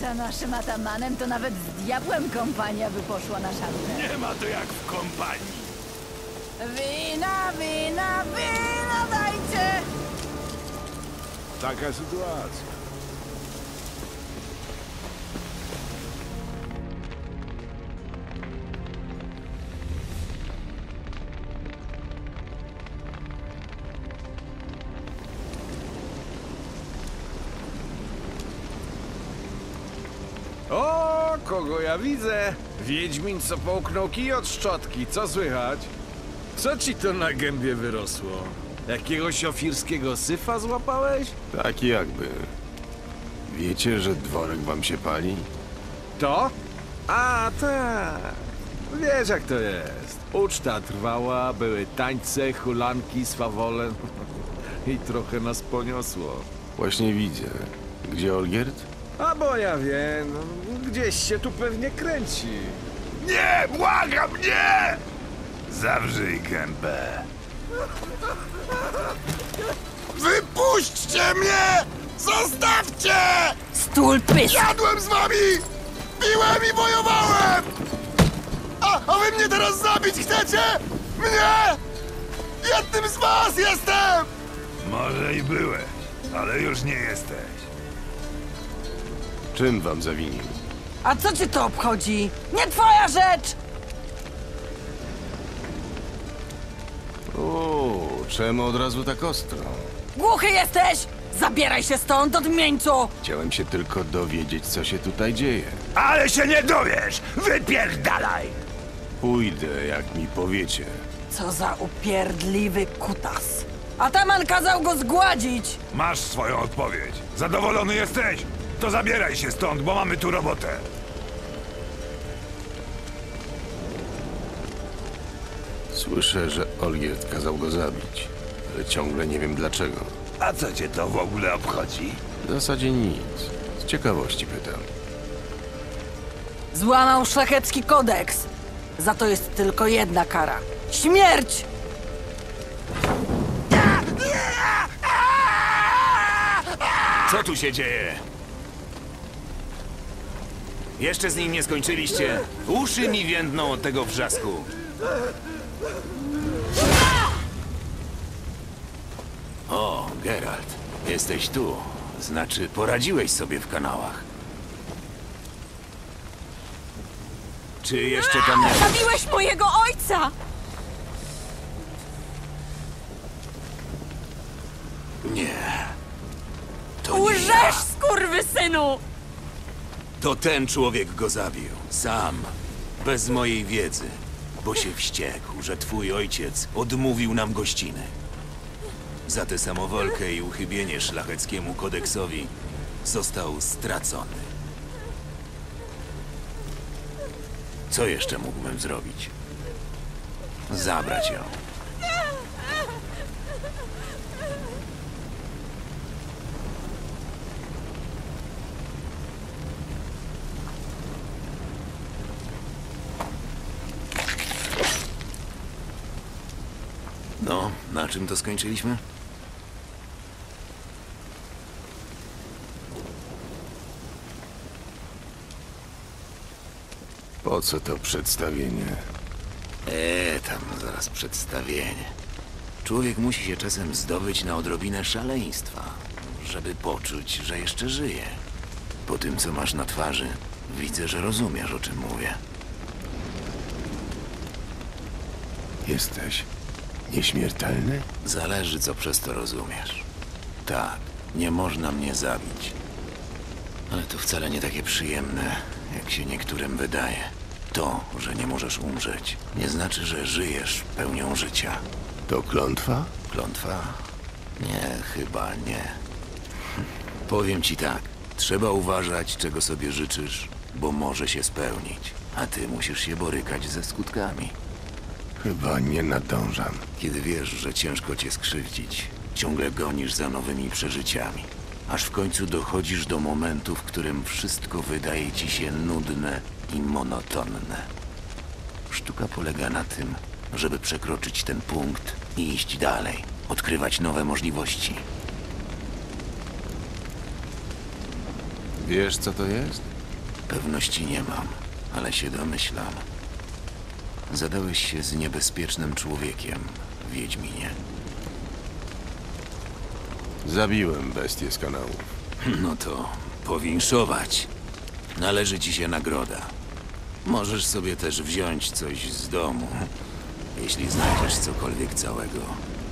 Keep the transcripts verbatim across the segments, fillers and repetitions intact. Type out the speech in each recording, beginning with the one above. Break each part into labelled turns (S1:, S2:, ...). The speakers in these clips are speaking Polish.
S1: Za naszym atamanem to nawet z diabłem kompania by poszła na szarpę.
S2: Nie ma to jak w kompanii.
S1: Wina, wina, wina dajcie!
S2: Taka sytuacja.
S3: O, kogo ja widzę? Wiedźmin, co połknął kij od szczotki. Co słychać? Co ci to na gębie wyrosło? Jakiegoś ofirskiego syfa złapałeś?
S4: Tak jakby. Wiecie, że dworek wam się pali?
S3: To? A, tak. Wiesz jak to jest. Uczta trwała, były tańce, hulanki, swawole. I trochę nas poniosło.
S4: Właśnie widzę. Gdzie Olgierd?
S3: A bo ja wiem, no, gdzieś się tu pewnie kręci.
S2: Nie, błagam, nie! Zawrzyj gębę. Wypuśćcie mnie! Zostawcie!
S1: Stul pysk!
S2: Jadłem z wami! Piłem i wojowałem! A, a wy mnie teraz zabić chcecie? Mnie! Jednym z was jestem! Może i byłeś, ale już nie jesteś.
S4: Czym wam zawinił?
S1: A co cię to obchodzi? Nie twoja rzecz!
S4: O, czemu od razu tak ostro?
S1: Głuchy jesteś! Zabieraj się stąd, odmieńcu!
S4: Chciałem się tylko dowiedzieć, co się tutaj dzieje.
S2: Ale się nie dowiesz! Wypierdalaj!
S4: Pójdę, jak mi powiecie.
S1: Co za upierdliwy kutas. Ataman kazał go zgładzić!
S2: Masz swoją odpowiedź. Zadowolony jesteś? To zabieraj się stąd, bo mamy tu robotę.
S4: Słyszę, że Olgierd kazał go zabić, ale ciągle nie wiem dlaczego.
S2: A co cię to w ogóle obchodzi?
S4: W zasadzie nic. Z ciekawości pytam.
S1: Złamał szlachecki kodeks. Za to jest tylko jedna kara. Śmierć!
S5: Co tu się dzieje? Jeszcze z nim nie skończyliście? Uszy mi więdną od tego wrzasku. O, Geralt, jesteś tu. Znaczy, poradziłeś sobie w kanałach. Czy jeszcze tam nie...
S6: Zabiłeś mojego ojca!
S5: Nie. To nie
S6: Łżesz,
S5: ja.
S6: skurwysynu!
S5: To ten człowiek go zabił. Sam. Bez mojej wiedzy. Bo się wściekł, że twój ojciec odmówił nam gościny. Za tę samowolkę i uchybienie szlacheckiemu kodeksowi został stracony. Co jeszcze mógłbym zrobić? Zabrać ją. No, na czym to skończyliśmy?
S4: Po co to przedstawienie?
S5: Eee, tam zaraz przedstawienie. Człowiek musi się czasem zdobyć na odrobinę szaleństwa, żeby poczuć, że jeszcze żyje. Po tym, co masz na twarzy, widzę, że rozumiesz, o czym mówię.
S4: Jesteś nieśmiertelny?
S5: Zależy, co przez to rozumiesz. Tak, nie można mnie zabić. Ale to wcale nie takie przyjemne, jak się niektórym wydaje. To, że nie możesz umrzeć, nie znaczy, że żyjesz pełnią życia.
S4: To klątwa?
S5: Klątwa? Nie, chyba nie. Hm. Powiem ci tak, trzeba uważać, czego sobie życzysz, bo może się spełnić. A ty musisz się borykać ze skutkami.
S4: Chyba nie nadążam.
S5: Kiedy wiesz, że ciężko cię skrzywdzić, ciągle gonisz za nowymi przeżyciami. Aż w końcu dochodzisz do momentu, w którym wszystko wydaje ci się nudne i monotonne. Sztuka polega na tym, żeby przekroczyć ten punkt i iść dalej, odkrywać nowe możliwości.
S4: Wiesz, co to jest?
S5: Pewności nie mam, ale się domyślam. Zadałeś się z niebezpiecznym człowiekiem, Wiedźminie.
S4: Zabiłem bestię z kanału.
S5: No to powinszować. Należy ci się nagroda. Możesz sobie też wziąć coś z domu, jeśli znajdziesz cokolwiek całego.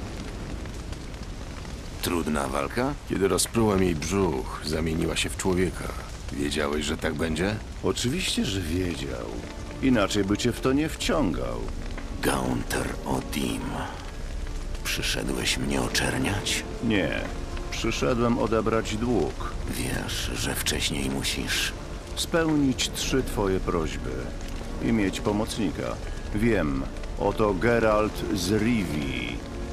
S5: Trudna walka?
S4: Kiedy rozprułem jej brzuch, zamieniła się w człowieka. Wiedziałeś, że tak będzie?
S7: Oczywiście, że wiedział. Inaczej by cię w to nie wciągał.
S5: Gaunter Odim. Przyszedłeś mnie oczerniać?
S7: Nie. Przyszedłem odebrać dług.
S5: Wiesz, że wcześniej musisz.
S7: Spełnić trzy twoje prośby. I mieć pomocnika. Wiem. Oto Geralt z Rivii.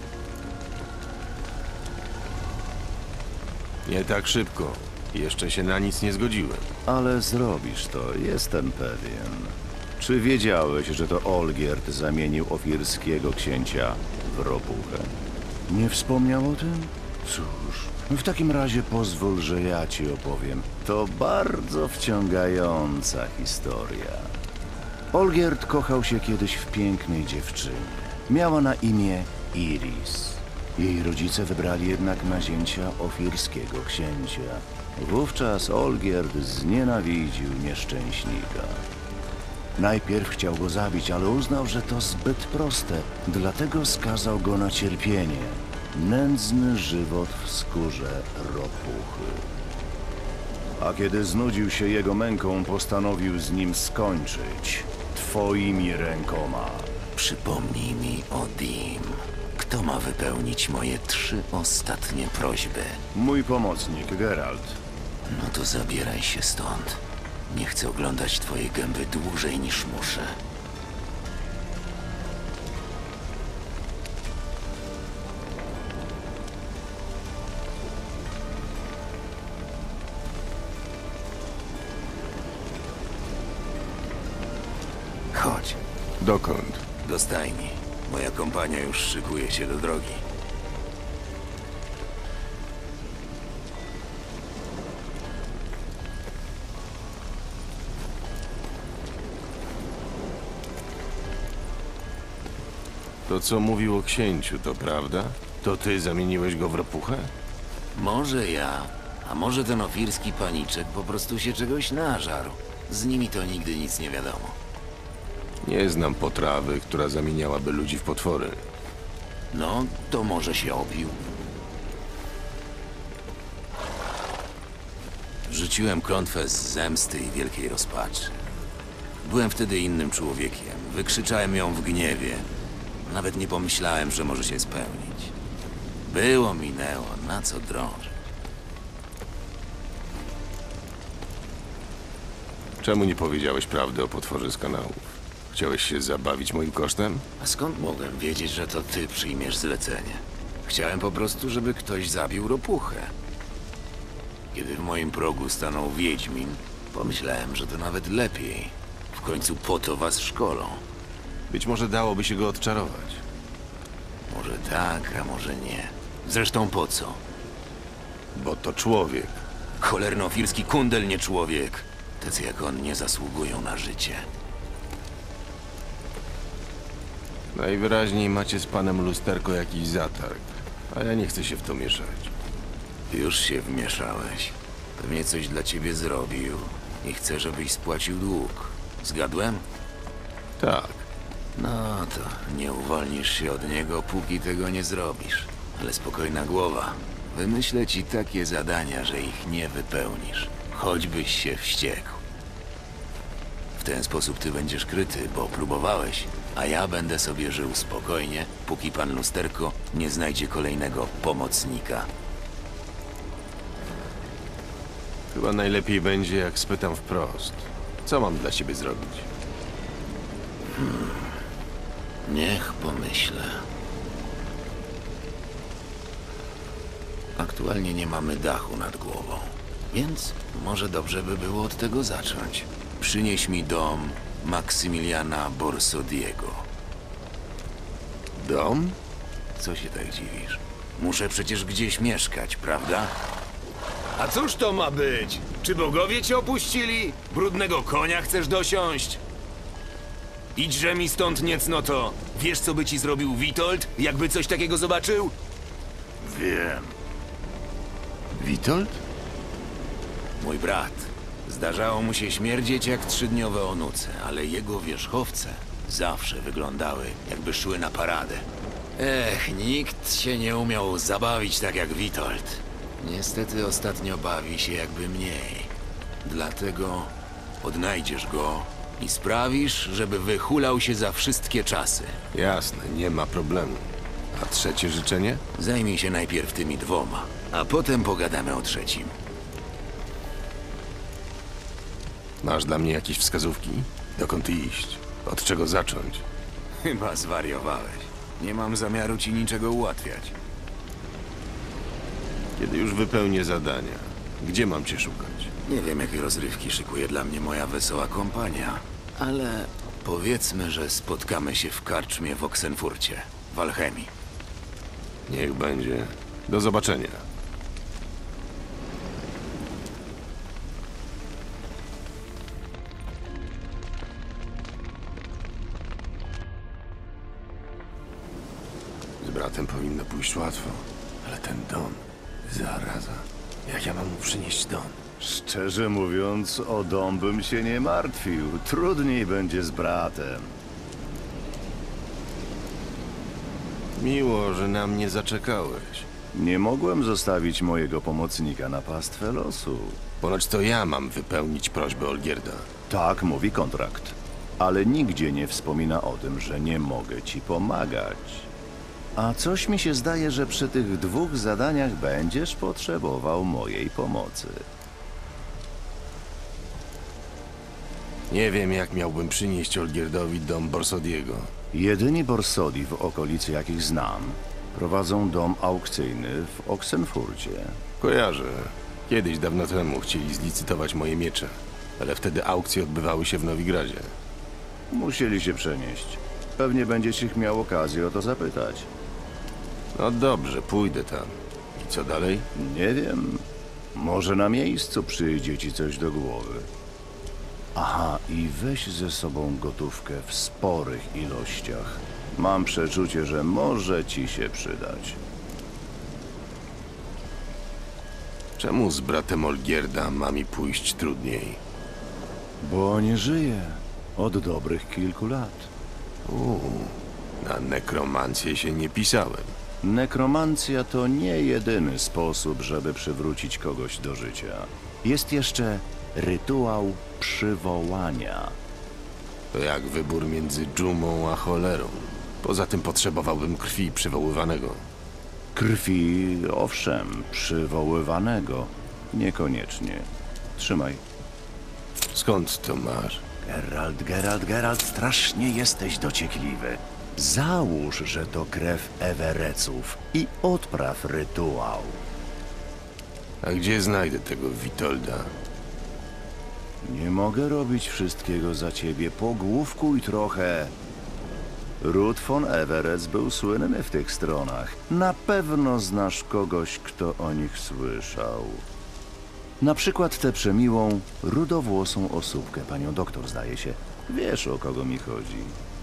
S4: Nie tak szybko. Jeszcze się na nic nie zgodziłem.
S7: Ale zrobisz to, jestem pewien. Czy wiedziałeś, że to Olgierd zamienił ofirskiego księcia w ropuchę? Nie wspomniał o tym? Cóż, w takim razie pozwól, że ja ci opowiem. To bardzo wciągająca historia. Olgierd kochał się kiedyś w pięknej dziewczynie. Miała na imię Iris. Jej rodzice wybrali jednak na zięcia ofirskiego księcia. Wówczas Olgierd znienawidził nieszczęśnika. Najpierw chciał go zabić, ale uznał, że to zbyt proste, dlatego skazał go na cierpienie. Nędzny żywot w skórze ropuchy. A kiedy znudził się jego męką, postanowił z nim skończyć. Twoimi rękoma.
S5: Przypomnij mi Odim. Kto ma wypełnić moje trzy ostatnie prośby?
S7: Mój pomocnik, Geralt.
S5: No to zabieraj się stąd. Nie chcę oglądać twojej gęby dłużej niż muszę. Chodź,
S4: Dokąd?
S5: do stajni. Moja kompania już szykuje się do drogi.
S4: To, co mówił o księciu, to prawda? To ty zamieniłeś go w ropuchę?
S5: Może ja, a może ten ofirski paniczek po prostu się czegoś nażarł. Z nimi to nigdy nic nie wiadomo.
S4: Nie znam potrawy, która zamieniałaby ludzi w potwory.
S5: No, to może się opił. Rzuciłem klątwę z zemsty i wielkiej rozpaczy. Byłem wtedy innym człowiekiem. Wykrzyczałem ją w gniewie. Nawet nie pomyślałem, że może się spełnić. Było, minęło, na co drążyć?
S4: Czemu nie powiedziałeś prawdy o potworze z kanałów? Chciałeś się zabawić moim kosztem?
S5: A skąd mogłem wiedzieć, że to ty przyjmiesz zlecenie? Chciałem po prostu, żeby ktoś zabił ropuchę. Kiedy w moim progu stanął Wiedźmin, pomyślałem, że to nawet lepiej. W końcu po to was szkolą.
S4: Być może dałoby się go odczarować.
S5: Może tak, a może nie. Zresztą po co?
S4: Bo to człowiek.
S5: Cholerno-ofirski kundel, nie człowiek. Tacy jak on nie zasługują na życie.
S4: Najwyraźniej macie z panem Lusterko jakiś zatarg, a ja nie chcę się w to mieszać.
S5: Już się wmieszałeś. Pewnie coś dla ciebie zrobił i chce, żebyś spłacił dług. Zgadłem?
S4: Tak,
S5: No to nie uwolnisz się od niego, póki tego nie zrobisz. Ale spokojna głowa. Wymyślę ci takie zadania, że ich nie wypełnisz. Choćbyś się wściekł. W ten sposób ty będziesz kryty, bo próbowałeś, a ja będę sobie żył spokojnie, póki pan Lusterko nie znajdzie kolejnego pomocnika.
S4: chyba najlepiej będzie, jak spytam wprost. Co mam dla ciebie zrobić?
S5: Niech pomyślę. Aktualnie nie mamy dachu nad głową, więc może dobrze by było od tego zacząć. Przynieś mi dom Maksymiliana Borsodiego.
S4: Dom?
S5: Co się tak dziwisz? Muszę przecież gdzieś mieszkać, prawda?
S3: A cóż to ma być?
S5: Czy bogowie cię opuścili? Brudnego konia chcesz dosiąść? Idźże mi stąd niecnoto. Wiesz, co by ci zrobił Witold, jakby coś takiego zobaczył?
S4: Wiem. Witold?
S5: Mój brat. Zdarzało mu się śmierdzieć jak trzydniowe onuce, ale jego wierzchowce zawsze wyglądały, jakby szły na paradę. Ech, nikt się nie umiał zabawić tak jak Witold. Niestety ostatnio bawi się jakby mniej. Dlatego odnajdziesz go i sprawisz, żeby wychulał się za wszystkie czasy.
S4: Jasne, nie ma problemu. A trzecie życzenie?
S5: Zajmij się najpierw tymi dwoma, a potem pogadamy o trzecim.
S4: Masz dla mnie jakieś wskazówki? Dokąd iść? Od czego zacząć?
S5: Chyba zwariowałeś. Nie mam zamiaru ci niczego ułatwiać.
S4: Kiedy już wypełnię zadania, gdzie mam cię szukać?
S5: Nie wiem, jakie rozrywki szykuje dla mnie moja wesoła kompania, ale powiedzmy, że spotkamy się w karczmie w Oxenfurcie, w Alchemii.
S4: Niech będzie. Do zobaczenia. Z bratem powinno pójść łatwo, ale ten Don, zaraza. Jak ja mam mu przynieść Don?
S7: Szczerze mówiąc, o dom bym się nie martwił. Trudniej będzie z bratem.
S4: Miło, że na mnie zaczekałeś.
S7: Nie mogłem zostawić mojego pomocnika na pastwę losu.
S4: Ponoć to ja mam wypełnić prośbę Olgierda.
S7: Tak mówi kontrakt. Ale nigdzie nie wspomina o tym, że nie mogę ci pomagać. A coś mi się zdaje, że przy tych dwóch zadaniach będziesz potrzebował mojej pomocy.
S4: Nie wiem, jak miałbym przynieść Olgierdowi dom Borsodiego.
S7: Jedyni Borsodi w okolicy, jakich znam, prowadzą dom aukcyjny w Oxenfurcie.
S4: Kojarzę. Kiedyś, dawno temu, chcieli zlicytować moje miecze, ale wtedy aukcje odbywały się w Nowigradzie.
S7: Musieli się przenieść. Pewnie będziesz ich miał okazję o to zapytać.
S4: No dobrze, pójdę tam. I co dalej?
S7: Nie wiem. Może na miejscu przyjdzie ci coś do głowy. Aha, i weź ze sobą gotówkę w sporych ilościach. Mam przeczucie, że może ci się przydać.
S4: Czemu z bratem Olgierda ma mi pójść trudniej?
S7: Bo nie żyje od dobrych kilku lat.
S4: Uuu, na nekromancję się nie pisałem.
S7: Nekromancja to nie jedyny sposób, żeby przywrócić kogoś do życia. Jest jeszcze rytuał przywołania.
S4: To jak wybór między dżumą a cholerą. Poza tym potrzebowałbym krwi przywoływanego.
S7: Krwi, owszem, przywoływanego. Niekoniecznie. Trzymaj.
S4: Skąd to masz?
S7: Geralt, Geralt, Geralt, strasznie jesteś dociekliwy. Załóż, że to krew Ewereców i odpraw rytuał.
S4: A gdzie znajdę tego Witolda?
S7: Nie mogę robić wszystkiego za ciebie. Pogłówkuj trochę. Ród von Everec był słynny w tych stronach. Na pewno znasz kogoś, kto o nich słyszał. Na przykład tę przemiłą, rudowłosą osóbkę, panią doktor, zdaje się. Wiesz, o kogo mi chodzi.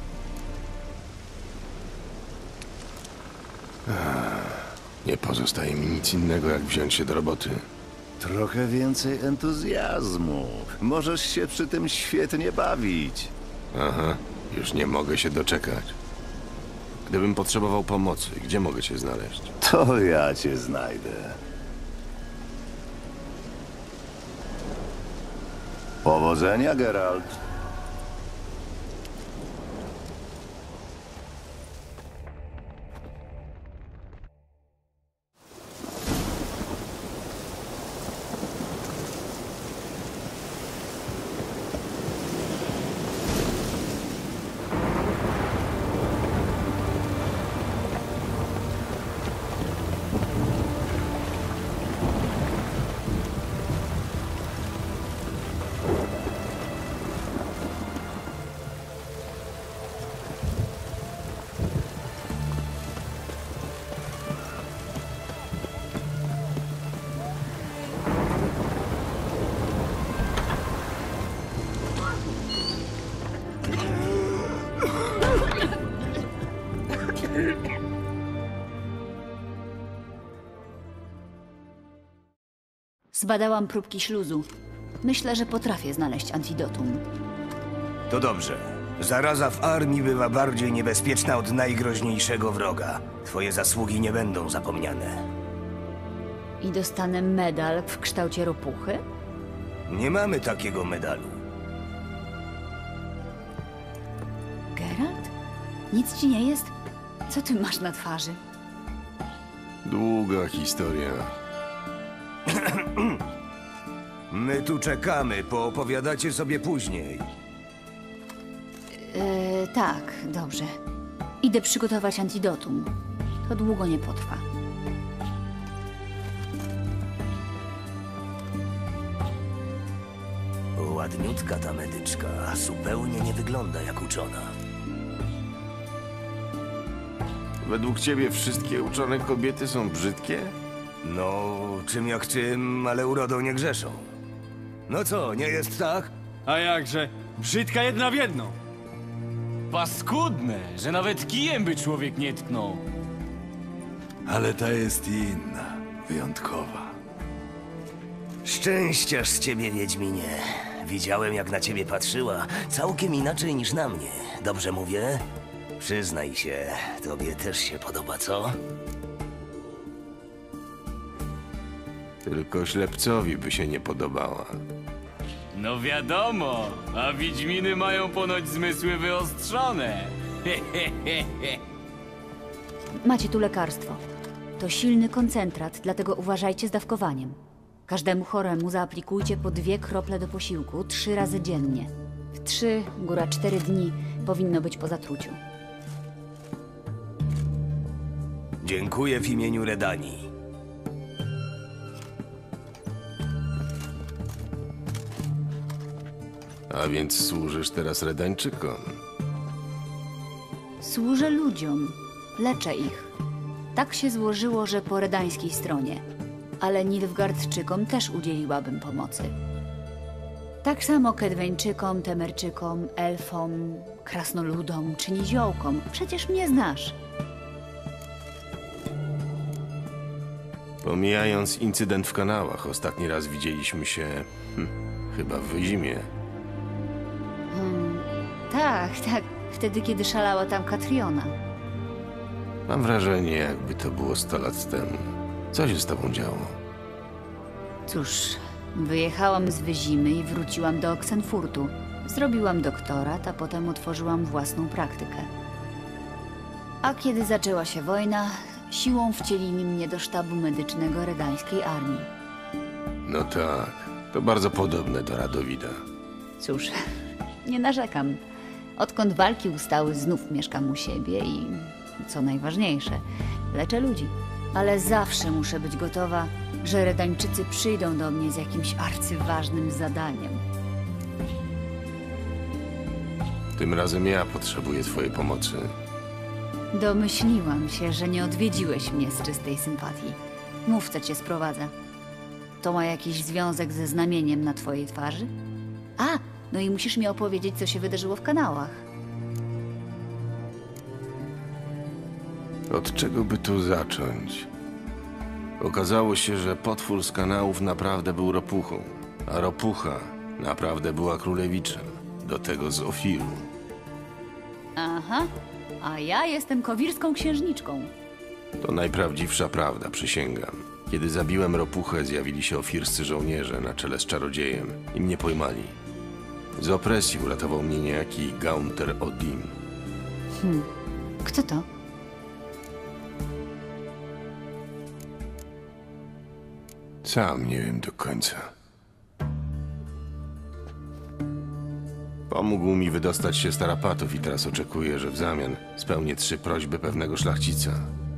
S4: Nie pozostaje mi nic innego, jak wziąć się do roboty.
S7: Trochę więcej entuzjazmu. Możesz się przy tym świetnie bawić.
S4: Aha, już nie mogę się doczekać. Gdybym potrzebował pomocy, gdzie mogę cię znaleźć?
S7: To ja cię znajdę. Powodzenia, Geralt.
S8: Zbadałam próbki śluzu. Myślę, że potrafię znaleźć antidotum.
S2: To dobrze. Zaraza w armii bywa bardziej niebezpieczna od najgroźniejszego wroga. Twoje zasługi nie będą zapomniane.
S8: I dostanę medal w kształcie ropuchy?
S2: Nie mamy takiego medalu.
S8: Geralt? Nic ci nie jest? Co ty masz na twarzy?
S4: Długa historia.
S2: My tu czekamy, poopowiadacie sobie później.
S8: Yy, tak, dobrze. Idę przygotować antidotum. To długo nie potrwa.
S2: Ładniutka ta medyczka, zupełnie nie wygląda jak uczona.
S4: Według ciebie wszystkie uczone kobiety są brzydkie?
S2: No, czym jak czym, ale urodą nie grzeszą. No co, nie jest tak?
S9: A jakże, brzydka jedna w jedną. Paskudne, że nawet kijem by człowiek nie tknął.
S3: Ale ta jest inna, wyjątkowa.
S2: Szczęściarz z ciebie, Wiedźminie. Widziałem, jak na ciebie patrzyła. Całkiem inaczej niż na mnie. Dobrze mówię? Przyznaj się, tobie też się podoba, co?
S4: Tylko ślepcowi by się nie podobała.
S9: No wiadomo, a wiedźminy mają ponoć zmysły wyostrzone.
S8: Macie tu lekarstwo. To silny koncentrat, dlatego uważajcie z dawkowaniem. Każdemu choremu zaaplikujcie po dwie krople do posiłku trzy razy dziennie. W trzy, góra cztery dni powinno być po zatruciu.
S2: Dziękuję w imieniu Redanii.
S4: A więc służysz teraz Redańczykom?
S8: Służę ludziom, leczę ich. Tak się złożyło, że po redańskiej stronie. Ale Nilfgaardczykom też udzieliłabym pomocy. Tak samo Kedweńczykom, Temerczykom, Elfom, Krasnoludom czy Niziołkom. Przecież mnie znasz.
S4: Pomijając incydent w kanałach, ostatni raz widzieliśmy się... Hm, chyba w Wyzimie.
S8: Hmm, tak, tak. Wtedy, kiedy szalała tam Katriona.
S4: Mam wrażenie, jakby to było sto lat temu. Co się z tobą działo?
S8: Cóż, wyjechałam z Wyzimy i wróciłam do Oxenfurtu. Zrobiłam doktorat, a potem otworzyłam własną praktykę. A kiedy zaczęła się wojna, siłą wcielili mnie do sztabu medycznego redańskiej armii.
S4: No tak, to bardzo podobne do Radowida.
S8: Cóż, nie narzekam. Odkąd walki ustały, znów mieszkam u siebie i, co najważniejsze, leczę ludzi. Ale zawsze muszę być gotowa, że Redańczycy przyjdą do mnie z jakimś arcyważnym zadaniem.
S4: Tym razem ja potrzebuję twojej pomocy.
S8: Domyśliłam się, że nie odwiedziłeś mnie z czystej sympatii. Mów, co cię sprowadza. To ma jakiś związek ze znamieniem na twojej twarzy? A, no i musisz mi opowiedzieć, co się wydarzyło w kanałach.
S4: Od czego by tu zacząć? Okazało się, że potwór z kanałów naprawdę był ropuchą, a ropucha naprawdę była królewiczem, do tego z Ofiru.
S8: Aha, a ja jestem kowirską księżniczką.
S4: To najprawdziwsza prawda, przysięgam. Kiedy zabiłem ropuchę, zjawili się ofirscy żołnierze na czele z czarodziejem i mnie pojmali. Z opresji uratował mnie niejaki Gaunter Odim.
S8: Hmm, kto to?
S4: Sam nie wiem do końca. Pomógł mi wydostać się z tarapatów i teraz oczekuję, że w zamian spełnię trzy prośby pewnego szlachcica.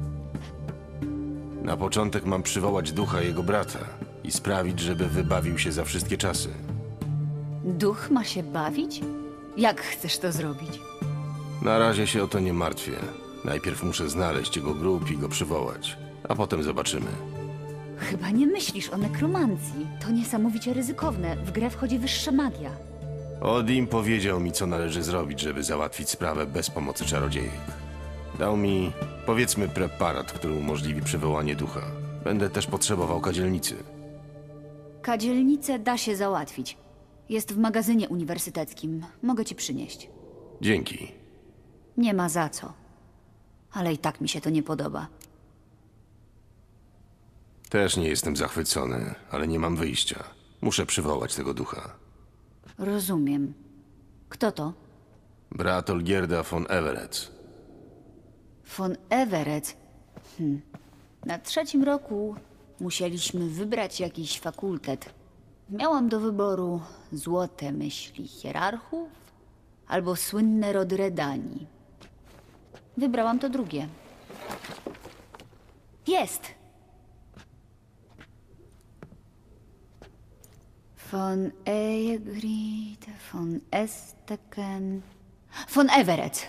S4: Na początek mam przywołać ducha jego brata i sprawić, żeby wybawił się za wszystkie czasy.
S8: Duch ma się bawić? Jak chcesz to zrobić?
S4: Na razie się o to nie martwię. Najpierw muszę znaleźć jego grób i go przywołać, a potem zobaczymy.
S8: Chyba nie myślisz o nekromancji. To niesamowicie ryzykowne. W grę wchodzi wyższa magia.
S4: Odim powiedział mi, co należy zrobić, żeby załatwić sprawę bez pomocy czarodziejek. Dał mi, powiedzmy, preparat, który umożliwi przywołanie ducha. Będę też potrzebował kadzielnicy.
S8: Kadzielnicę da się załatwić. Jest w magazynie uniwersyteckim. Mogę ci przynieść.
S4: Dzięki.
S8: Nie ma za co. Ale i tak mi się to nie podoba.
S4: Też nie jestem zachwycony, ale nie mam wyjścia. Muszę przywołać tego ducha.
S8: Rozumiem. Kto to?
S4: Brat Olgierda von Everett.
S8: Von Everett. Hm. Na trzecim roku musieliśmy wybrać jakiś fakultet. Miałam do wyboru złote myśli hierarchów albo słynne rody Redanii. Wybrałam to drugie. Jest! Von Egrid, von Esteken, von Everett.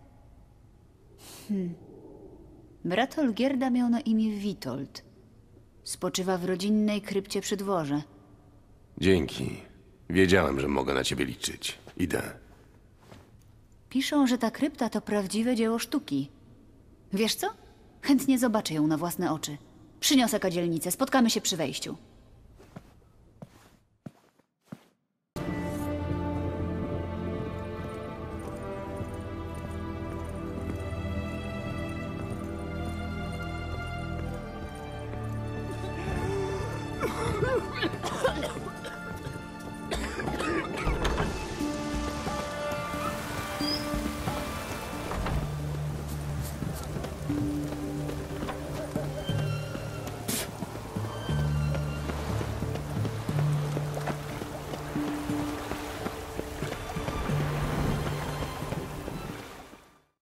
S8: Hmm. Brat Olgierda miał na imię Witold. Spoczywa w rodzinnej krypcie przy dworze.
S4: Dzięki. Wiedziałem, że mogę na ciebie liczyć. Idę.
S8: Piszą, że ta krypta to prawdziwe dzieło sztuki. Wiesz co? Chętnie zobaczę ją na własne oczy. Przyniosę kadzielnicę, spotkamy się przy wejściu.